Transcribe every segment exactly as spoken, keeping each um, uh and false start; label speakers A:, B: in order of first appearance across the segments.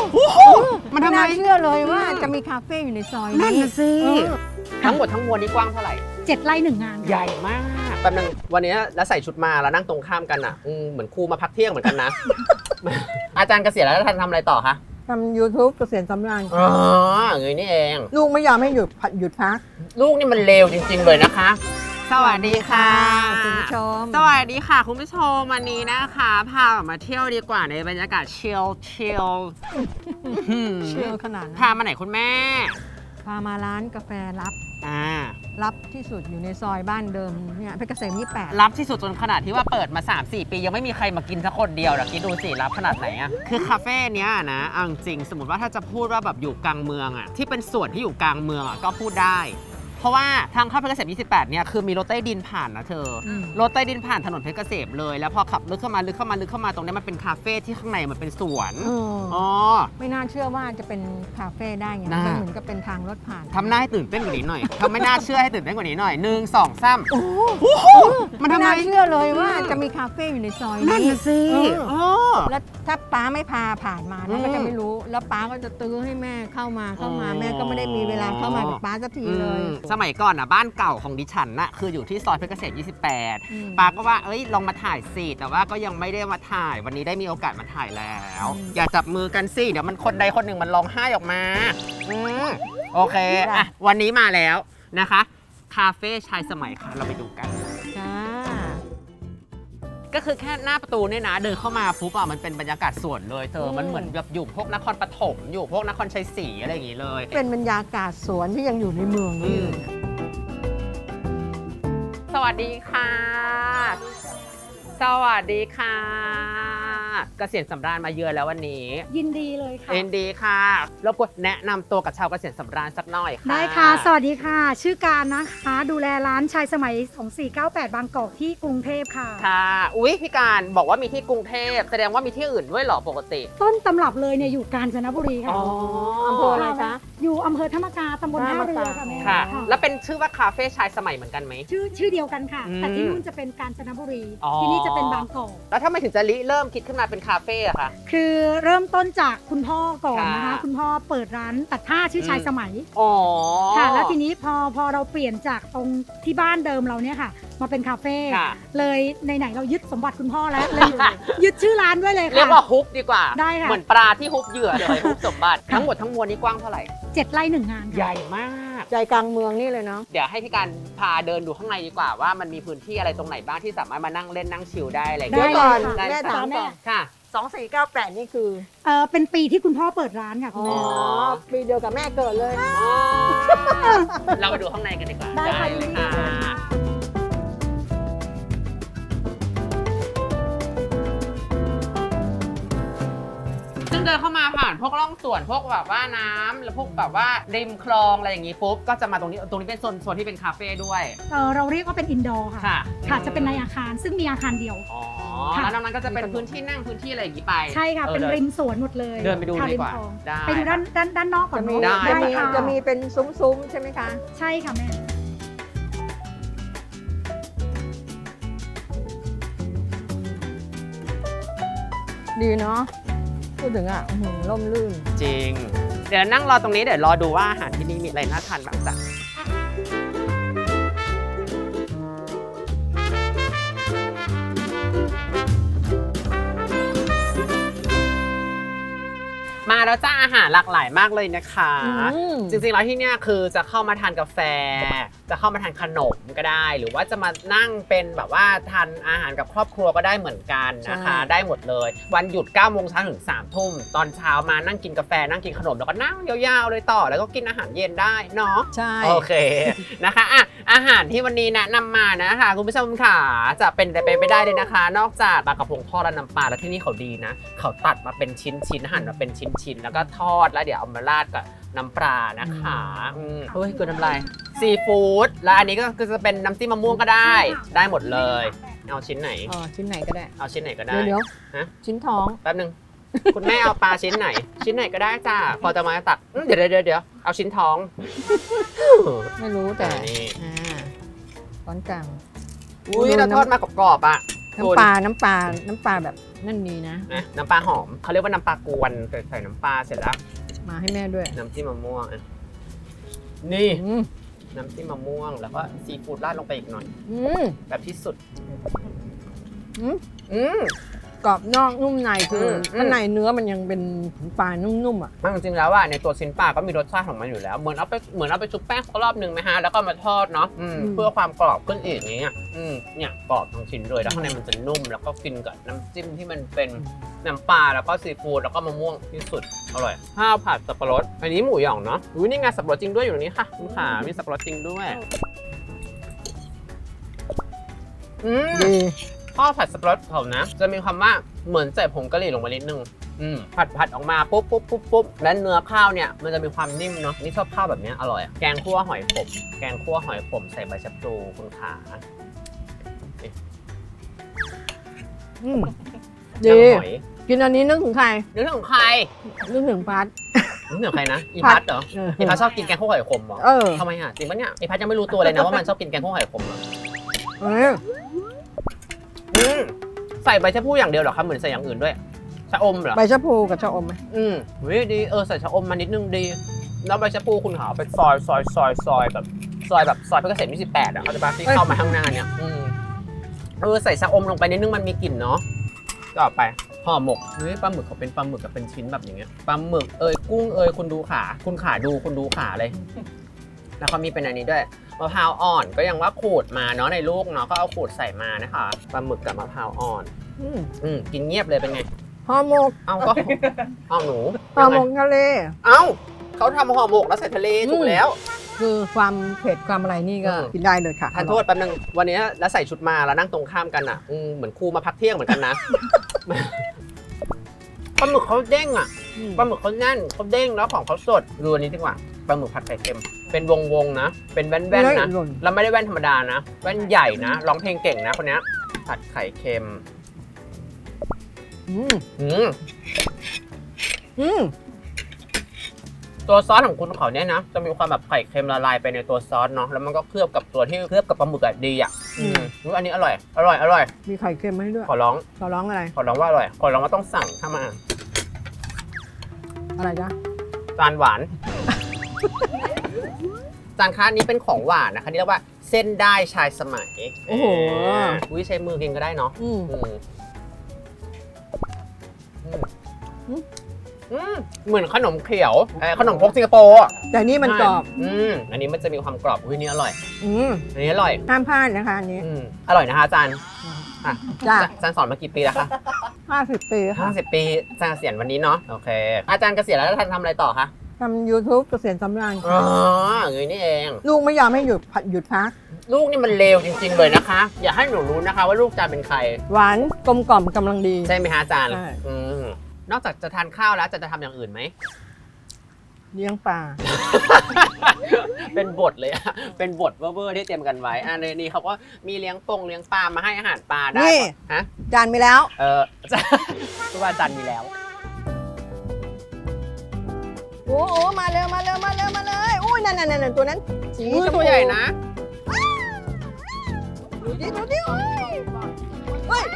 A: มันทำไม
B: น่าเชื่อเลยว่าจะมีคาเฟ่อยู่ในซอย
A: นั่น
B: นี้
A: น่ะสิทั้งหมดทั้งมวลนี่กว้างเท่าไหร่
C: เจ็ดไร่หนึ่งงาน
A: ใหญ่มากแป๊บนึงวันนี้แล้วใส่ชุดมาแล้วนั่งตรงข้ามกันอ่ะอืมเหมือนครูมาพักเที่ยงเหมือนกันนะ อาจารย์เกษียณแล้วท่านทำอะไรต่อคะ
B: ทำ ยูทูบ เกษียณสำราญ
A: อ๋ออย่างนี้นี่เอง
B: ลูกไม่ยอมให้หยุดหยุดพัก
A: ลูกนี่มันเลวจริงๆเลยนะคะ สวัสดีค่ะ
B: คุณผู้ชม
A: สวัสดีค่ะคุณผู้ชมวันนี้นะคะพาออกมาเที่ยวดีกว่าในบรรยากาศชิลชิล
B: เชื่อขนาดนั้น
A: พามาไหนคุณแม่
B: พามาร้านกาแฟลับ
A: อ่า
B: ลับที่สุดอยู่ในซอยบ้านเดิมเนี่ยเพชรเกษมยี่สิบแปด
A: รับที่สุดจนขนาดที่ว่าเปิดมา สามสี่ ปียังไม่มีใครมากินสักคนเดียวเดี๋ยวคิดดูสิรับขนาดไหนอะคือคาเฟ่เนี้ยนะเอาจริงสมมติว่าถ้าจะพูดว่าแบบอยู่กลางเมืองอะที่เป็นส่วนที่อยู่กลางเมืองอะก็พูดได้ เพราะว่าทางเข้าเพชรเกษมยี่สิบแปดเนี่ยคือมีรถใต้ดินผ่านนะเธออ
B: ม
A: รถใต้ดินผ่านถนนเพชรเกษมเลยแล้วพอขับลึกเข้ามาลึกเข้ามาลึกเข้ามาตรงนี้มันเป็นคาเฟ่ที่ข้างในมันเป็นสวน
B: เออ
A: อ๋อ
B: ไม่น่าเชื่อว่าจะเป็นคาเฟ่ได้ไง
A: น่ามั
B: มันเหมือนกับเป็นทางรถผ่าน
A: ทำหน้าให้ตื่นเต้นกว่านี้หน่อยทำไม่น่าเชื่อให้ตื่นเต้นกว่านี้หน่อยหนึ่งสองสาม
B: โอ้โห
A: มันทำไม
B: ไน่าเชื่อเลยว่าจะมีคาเฟ่อยู่ในซอย
A: นั่น
B: นี้
A: น่ะสิ
B: เออ
A: อ๋อ
B: แล้วถ้าป้าไม่พาผ่านมา
A: อื
B: นะ
A: ม
B: ก็จะไม่รู้ แล้วป้าก็จะตื้อให้แม่เข้ามาเข้ามา
A: อ๋อ
B: แม่ก็ไม่ได้มีเวลาเข้ามากับป้าสักทีเลย
A: อืมสมัยก่อนอ่ะบ้านเก่าของดิฉันน่ะคืออยู่ที่ซอยเพชรเกษมยี่สิบแปด
B: อืม
A: ปาก็ว่าเอ้ยลองมาถ่ายสิแต่ว่าก็ยังไม่ได้มาถ่ายวันนี้ได้มีโอกาสมาถ่ายแล้ว
B: อืม
A: อย่าจับมือกันสิเดี๋ยวมันคนใดคนหนึ่งมันร้องไห้ออกมาอืมโอเค
B: จ้ะ
A: อ่ะวันนี้มาแล้วนะคะคาเฟ่ชายสมัยค่ะเราไปดูกัน
B: จ้า
A: ก็คือแค่หน้าประตูเนี่ยนะเดินเข้ามาปุ๊บอ่ะมันเป็นบรรยากาศสวนเลยเธอมันเหมือนแบบอยู่พวกนครปฐมอยู่พวกนครชัยศรีอะไรอย่างงี้เลย
B: เป็นบรรยากาศสวนที่ยังอยู่ในเมืองนี่เลย
A: สวัสดีค่ะ สวัสดีค่ะ เกษียณสำราญมาเยือนแล้ววันนี้
C: ยินดีเลยค่ะ
A: เอ็นดีค่ะรบกวนแนะนำตัวกับชาวเกษียณสำราญสักหน่อยค่ะ
C: ได้ค่ะ สวัสดีค่ะ ชื่อการนะคะ ดูแลร้านชายสมัยสองสี่เก้าแปดบางกอกที่กรุงเทพค่ะ
A: ค่ะ อุ๊ยพี่การบอกว่ามีที่กรุงเทพแสดงว่ามีที่อื่นด้วยเหรอปกติ
C: ต้นตำรับเลยเนี่ยอยู่กาญจนบุรีค่ะ
A: อ๋อ
B: อำเภออะไรคะ
C: อยู่อำเภอธรรมกาตำบลท่าเรือค่ะแม่
A: ค่ะ
C: ค่ะ
A: แล้วเป็นชื่อว่าคาเฟ่ชายสมัยเหมือนกันไหม
C: ชื่อชื่อเดียวกันค่ะ
A: อืม
C: แต่ที่นู่นจะเป็นกาญจนบุรี
A: อ๋อ
C: ที่นี่จะเป็นบางกอก
A: แล้วถ้าไม่ถึงจะริเริ่มคิดขึ้นมาเป็นคาเฟ่อะคะ
C: คือเริ่มต้นจากคุณพ่อก่อนนะคะ
A: ค่ะ
C: คุณพ่อเปิดร้านตัดผ้าชื่อชายสมัย
A: อ๋อ
C: ค่ะ แล้วทีนี้พอพอเราเปลี่ยนจากตรงที่บ้านเดิมเราเนี่ยค่ะ มาเป็นคาเฟ่
A: ค่ะ
C: เลยไหนๆเรายึดสมบัติคุณพ่อแล้วเลยอยู่ ยึดชื่อร้านด้วยเลย
A: เรีย
C: ค่ะ
A: กว่าฮุบดีกว่า
C: ได้ค่ะ
A: เหมือนปลาที่ฮุบเหยื่อเลยฮุบสมบัติ ทั้งหมดทั้งมวลนี้กว้างเท่าไหร่
C: เจ็ดไร่หนึ่งงานค่ะ
A: ใหญ่มาก
B: ใจกลางเมืองนี่เลยเนาะ
A: เดี๋ยวให้พี่การพาเดินดูข้างในดีกว่าว่ามันมีพื้นที่อะไรตรงไหนบ้างที่สามารถมานั่งเล่นนั่งชิลได้อะไรอย่าง
B: เดี๋ยว
A: เงี้ย
B: ก่อน
C: ได้
B: แม่
C: ค่ะ
B: ถามก่อน
A: ค่ะ
B: สองสี่เก้าแปดนี่คือ
C: เออเป็นปีที่คุณพ่อเปิดร้านค่ะคุณ
B: อ๋อ
C: แม่
B: ปีเดียวกับแม่เกิดเลย
A: เราไปดูข้างในกันดีกว่า
C: ได้ค่ะ
A: เลย
C: ยินดี
A: ค่ะ
C: ค่ะ
A: ซึ่งเดินเข้ามาผ่านพวกร่องสวนพวกแบบว่าน้ำแล้วพวกแบบว่าริมคลองอะไรอย่างงี้ปุ๊บก็จะมาตรงนี้ตรงนี้เป็นโซนโซนที่เป็นคาเฟ่ด้วย
C: เออเราเรียกว่าเป็นอินดอร์ค่ะ
A: ค่ะ
C: ค่ะจะเป็นในอาคารซึ่งมีอาคารเดียว
A: อ๋อ
C: ค่ะ
A: แล้วนอกนั้นก็จะเป็นพื้นที่นั่งพื้นที่อะไรอย่างงี้ไป
C: ใช่ค่ะ
A: ออ
C: เป็น
A: ดิ
C: ริมสวนหมดเลย
A: เดินไปดู
C: ค่ะ
A: ดีกว่า
C: ริมคลอง
A: ได้
C: ไปดูด้านด้านด้านนอกก่อน
B: จะมี
C: เนอะ
A: ได้
B: จะมี
C: ค่ะ
B: จะมีเป็นซุ้มๆใช่ไหมคะ
C: ใช่ค่ะแม่
B: ดีเนาะพูดถึงอ่ะอื้อหือร่มรื่น
A: จริง เดี๋ยวนั่งรอตรงนี้เดี๋ยวรอดูว่าอาหารที่นี่มีอะไรน่าทานบ้างจ้ะมาแล้วจ้าอาหารหลากหลายมากเลยนะคะ
B: อืม
A: จริงๆแล้วที่เนี่ยคือจะเข้ามาทานกาแฟ จะเข้ามาทานขนมก็ได้ หรือว่าจะมานั่งเป็นแบบว่าทานอาหารกับครอบครัวก็ได้เหมือนกันนะคะ
B: ใช่
A: ได้หมดเลย วันหยุดเก้าโมงเช้าถึงสามทุ่มตอนเช้ามานั่งกินกาแฟนั่งกินขนมแล้วก็นั่งยาวๆเลยต่อแล้วก็กินอาหารเย็นได้เนาะ
B: ใช่
A: โอเคนะคะอ่ะอาหารที่วันนี้แนะนำมานะคะคุณผู้ชมค่ะจะเป็นไปไม่ได้เลยนะคะ นอกจากปลากระพงทอดและน้ำปลาแล้วที่นี่เขาดีนะ เขาตัดมาเป็นชิ้นชิ้นๆหั่นมาเป็นชิ้นชิ้นๆแล้วก็ทอดแล้วเดี๋ยวเอามาราดกับน้ำปลานะคะอืมเฮ้ยเกินน้ำลายซีฟู้ดแล้วอันนี้ก็คือจะเป็นน้ำจิ้มมะม่วงก็ได้ ได้หมดเลย เอาชิ้นไหน
B: อ๋อชิ้นไหนก็ได้
A: เอาชิ้นไหนก็ได้
B: เดี๋ยวเดี๋ยว
A: ฮะ
B: ชิ้นท้อง
A: แป๊บนึงคุณแม่เอาปลาชิ้นไหน ชิ้นไหนก็ได้จ้าพอจะมาตักอืมเดี๋ยวเดี๋ยวเดี๋ยวเอาชิ้นท้อง
B: ไม่รู้แต่
A: อันนี้
B: อ่าช้อนกลาง
A: อุ้ยเราทอดมากรอบๆอ่ะ
B: น้ำปลา น้ำปลา น้ำปลาแบบนั่นดีนะ
A: นะน้ำปลาหอมเขาเรียกว่าน้ำปลากวนใส่ใส่น้ำปลาเสร็จแล้ว
B: มาให้แม่ด้วย
A: น้ำจิ้มมะม่วงอ่ะนี่
B: อืม
A: น้ำจิ้มมะม่วงแล้วก็ซีฟู้ดราดลงไปอีกหน่อย
B: อืม
A: แบบที่สุด
B: อืม
A: อืม
B: กรอบนอกนุ่มในคือ
A: ม
B: ข้างในเนื้อมันยังเป็นปลานุ่มๆอ่ะ
A: มันจริงๆแล้วอ่ะในตัวชิ้นปลาก็มีรสชาติของมันอยู่แล้วเหมือนเอาไปเหมือนเอาไปชุบแป้งสักรอบหนึ่งไหมฮะแล้วก็มาทอดเนาะอืม
B: อืม
A: เพื่อความกรอบขึ้นอีกอย่างเงี้ยอืมเนี่ยกรอบทั้งชิ้นเลยแล้วข้างในมันจะนุ่มแล้วก็กินกับน้ำจิ้มที่มันเป็นน้ำปลาแล้วก็ซีฟู้ดแล้วก็มะม่วงที่สุดอร่อยข้าวผัดสับปะรดอันนี้หมูหยองเนาะอุ้ยนี่ไงสับปะรดจริงด้วยอยู่ตรงนี้ค่ะคุณขามีสับปะรดจริงด้วยอืม
B: ดี
A: ข้าวผัดสับปะรดเขานะจะมีความว่าเหมือนใส่ผงกะหรี่ลงไปนิดนึงอืมผัดผัดออกมาปุ๊บปุ๊บปุ๊บปุ๊บและเนื้อข้าวเนี่ยมันจะมีความนิ่มเนาะนี่ชอบข้าวแบบเนี้ยอร่อยอะแกงคั่วหอยขมแกงคั่วหอยขมใส่ใบชะพลูคุณขา
B: อืม
A: เนื้
B: ดี
A: อหอย
B: กินอันนี้นึกถึงใคร
A: นึกถึงใคร
B: นึกถึงพัด
A: นึกถึงใครนะอีพัดเหรอ
B: เออ
A: อีพัดชอบกินแกงคั่วหอยขมเหรอ
B: เออ
A: ทำไมอ่ะจริงปะเนี่ยอีพัดยังไม่รู้ตัวเลยนะว่ามันชอบกินแกงคั่วหอยขมเหรอ
B: เออ
A: อืมใส่ใบชะพลูอย่างเดียวเหรอครับเหมือนใส่อย่างอื่นด้วยชะอมเหรอ
B: ใบชะพูกับชะอมไหม
A: อืมเฮ้ยดีเออใส่ชะอมมานิดนึงดีแล้วใบชะพูคุณหาไปซอยซอยซอยซอยแบบซอยแบบซอยเพชรเกษมยี่สิบแปดอ่ะเขาจะปาที่เข้ามาข้างหน้าเนี่ยอืมเออใส่ชะอมลงไปนิดนึงมันมีกลิ่นเนาะต่อไปห่อหมกเฮ้ยปลาหมึกเขาเป็นปลาหมึกกับเป็นชิ้นแบบอย่างเงี้ยปลาหมึกเอยกุ้งเอยคุณดูขาคุณขาดูคุณดูขาเลย แล้วเขามีเป็นอันนี้ด้วยมะพร้าวอ่อนก็ยังว่าขูดมาเนาะในลูกเนาะก็เอาขูดใส่มานะคะปลาหมึกกับมะพร้าวอ่อน
B: อืม
A: อืมกินเงียบเลยเป็นไง
B: ห่อหมก
A: เอาก็เอาหนู
B: ห่อหมกทะเล
A: เอ้าเขาทำห่อหมกแล้วใส่ทะเลถูกแล้ว
B: คือความเผ็ดความอะไรนี่ก็
A: อืม
B: กินได้เลยค่ะ
A: ทานโทษแป๊บนึงวันนี้แล้วใส่ชุดมาแล้วนั่งตรงข้ามกันอ่ะอืมเหมือนครูมาพักเที่ยงเหมือนกันนะ ปลาหมึกเขาเด้งอ่ะ
B: อืม
A: ปลาหมึกเขาแน่นเขาเด้งแล้วของเขาสดดูอันนี้ดีกว่าปลาหมึกผัดไข่เค็มเป็นวงวงๆนะเป็นแว่นแว่นๆนะ
B: หล่น
A: แล้วไม่ได้แว่นธรรมดานะแว่นใหญ่นะร้องเพลงเก่งนะคนเนี้ยผัดไข่เค็ม
B: อืม
A: อืม
B: อืม
A: ตัวซอสของคุณเขาเนี่ยนะจะมีความแบบไข่เค็มละลายไปในตัวซอสเนาะแล้วมันก็เคลือบกับตัวที่เคลือบกับปลาหมึกอะดีอ่ะอืมอุ๊ยอันนี้อร่อยอร่อยอร่อย
B: มีไข่เค็มให้ด้วย
A: ขอร้อง
B: ขอร้องอะไร
A: ขอร้องว่าอร่อยขอร้องว่าต้องสั่งถ้ามา
B: อะไรจ๊ะ
A: จานหวาน จานค้านี้เป็นของหวานนะคะนี่เรียกว่าเส้นได้ชายสมัย
B: โอ้โห
A: าอุ้ยใช้มือกินก็ได้เนาะ
B: อืม
A: อืมอืม
B: อืม
A: อืมเหมือนขนมเขียวเอ่อขนมพกสิงคโปร์อะ
B: แต่นี่มันกรอบ
A: อืมอันนี้มันจะมีความกรอบอุ้ยนี่อร่อย
B: อืม
A: อันนี้อร่อย
B: ห้ามพลาดนะคะอันนี้
A: อืมอร่อยนะคะอาจารย์อ่ะ
B: จ้ะ
A: อาจารย์สอนมากี่ปีแล้วคะ
B: ห้าสิบปีค่ะ
A: ห้าสิบปีอาจารย์เกษียณวันนี้เนาะโอเค อาจารย์เกษียณแล้วท่านทำอะไรต่อคะ
B: ทำ YouTube เกษียณสำราญ
A: อ๋ออย่างนี้นี่เอง
B: ลูกไม่ยอมให้หยุดพักหยุดพัก
A: ลูกนี่มันเลวจริง ๆ เลยนะคะ อย่าให้หนูรู้นะคะ ว่าลูกอาจารย์เป็นใคร
B: หวานกลมกล่อมกำลังดี
A: ใช่ไหมฮะอาจารย์
B: ใช่
A: อืมนอกจากจะทานข้าวแล้วจะจะทำอย่างอื่นไหม
B: เลี้ยงปลา
A: เป็นบทเลยอะเป็นบทเวอร์ๆที่เตรียมกันไว้อ่าในนี้เขาก็มีเลี้ยงปงเลี้ยงปลามาให้อาหารปลาได้
B: นี่
A: ฮะ
B: จานมีแล้ว
A: เออ ทุกวันจันทร์มีแล้ว
B: โอ้โหมาเร็วมาเร็วมาเร็วมาเลยอุ้ยนั่นนั่นนั่นตัวนั้นสี
A: อุ้ย
B: ชมพู
A: ตัวใหญ่นะ
B: ดูดิดูดิโอ้ยเฮ้ย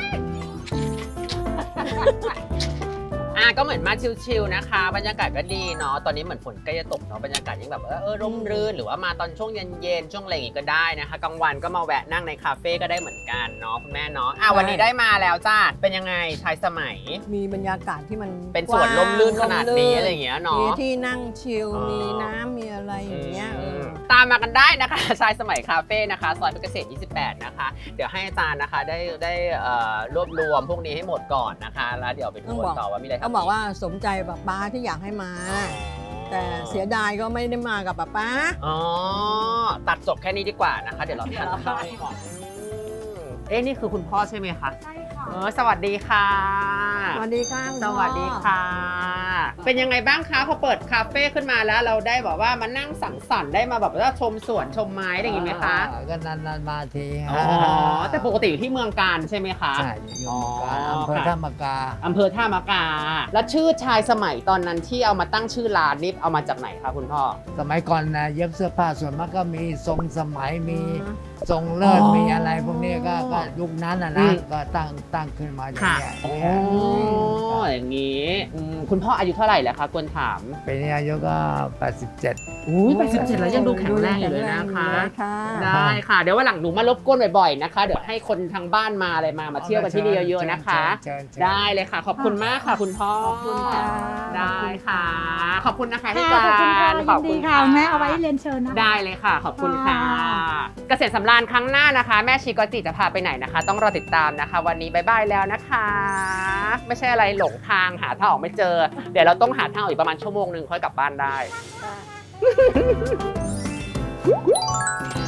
A: อ่ะก็เหมือนมาชิลๆนะคะ บรรยากาศก็ดีเนาะตอนนี้เหมือนฝนใกล้จะตกเนาะบรรยากาศยังแบบเออเออร่มรื่นหรือว่ามาตอนช่วงเย็นๆช่วงอะไรอย่างงี้ก็ได้นะคะกลางวันก็มาแวะนั่งในคาเฟ่ก็ได้เหมือนกันเนาะคุณแม่เนาะอ่ะวันนี้ได้มาแล้วจ้าเป็นยังไงชายสมัย
B: มีบรรยากาศที่มัน
A: เป็นสวนร่มรื่นขนาดนี้
B: ร่ม
A: อะไรอย่างเงี้ยเนาะ
B: มีที่นั่งชิล
A: อ๋อ
B: มีน้ำมีอะไรอย่างเงี้ยเออ
A: ตามมากันได้นะคะ ชายสมัยคาเฟ่นะคะซอยเพชรเกษมยี่สิบแปดนะคะเดี๋ยวให้อาจารย์นะคะได้ได้เอ่อรวบรวมพวกนี้ให้หมดก่อนนะคะแล้วเดี๋ยวไปดูกันต่อว่ามีอะไรทำ
B: เขาบอกว่าสมใจป้าป้าที่อยากให้มา แต่เสียดายก็ไม่ได้มากับป้าป้า
A: อ๋อตัดจบแค่นี้ดีกว่านะคะ เดี๋ยวเราทานข้าวก่อนอืมเอ๊ะนี่คือคุณพ่อใช่ไหมคะ
C: ใช่ค่ะ
A: เออสวัสดีค่ะ
B: สวัสดีค่ะคุณ
A: ส
B: พ่อ
A: วัสดีค่ะ เเป็นยังไงบ้างคะพอเปิดคาเฟ่ขึ้นมาแล้วเราได้บอกว่ามานั่งสังสรรค์ได้มาแบบว่าชมสวนชมไม้อะไรอย่างงี้ไหมคะ
D: อ่าก็นานๆมาที
A: อ๋อแต่ปกติอยู่ที่เมืองการใช่ไหมคะ
D: ใช่อยู่
A: อ๋อ
D: อำเภอ
A: ค่ะ
D: ท่ามากา
A: อำเภอท่ามะกา แล้วชื่อชายสมัยตอนนั้นที่เอามาตั้งชื่อร้านนี่เอามาจากไหนคะคุณพ่อ
D: สมัยก่อนนะเย็บเสื้อผ้าส่วนมากก็มีทรงสมัยมีทรงเลิศ
A: อ๋อ
D: มีอะไรพวกนี้ก็ก็ยุคนั้นนะ
A: อื
D: นะ
A: ม
D: ก็ตั้งตั้งขึ้นมาอย่าง
A: ค่ะ
D: เงี้ย
A: โอ้
D: เนี่ย
A: อย่างนี้อืมคุณพ่ออายุเท่าไหร่แล้วคะควรถาม
D: ปีนี้อายุก็แปดสิบเจ็ด
A: อุ้ยแปดสิบเจ็ดแล้วยังดูแข็งแรงอยู่เลยนะคะ
B: ค่ะ
A: ได้ค่ะ เดี๋ยววันหลังหนูมารบกวนบ่อยๆนะคะ เดี๋ยวให้คนทางบ้านมาอะไรมา มาเที่ยวกันที่นี่เยอะๆนะคะ
D: เชิญเชิญ
A: ได้เลยค่ะ ขอบคุณมากค่ะ คุณพ่อ
B: ขอบคุณค่ะ
A: ได้ค่ะ ขอบคุณนะคะพี่
C: ค่ะ
A: กา
C: ขอบคุณค่ะ
A: ร
C: ยินดีค่ะแม่เอาไว้เรียนเชิญนะคะ
A: ได้เลยค่ะ ขอบคุณค่ะ
C: ค่ะ
A: เกษตรสำราญครั้งหน้านะคะ แม่ชีกอจิจะพาไปไหนนะคะ ต้องรอติดตามนะคะ วันนี้บายบายแล้วนะคะ ไม่ใช่อะไรหลงทางหาทางออกไม่เจอ เดี๋ยวเราต้องหาทางออกอีกประมาณชั่วโมงหนึ่งค่อยกลับบ้านได้
B: ค่ะ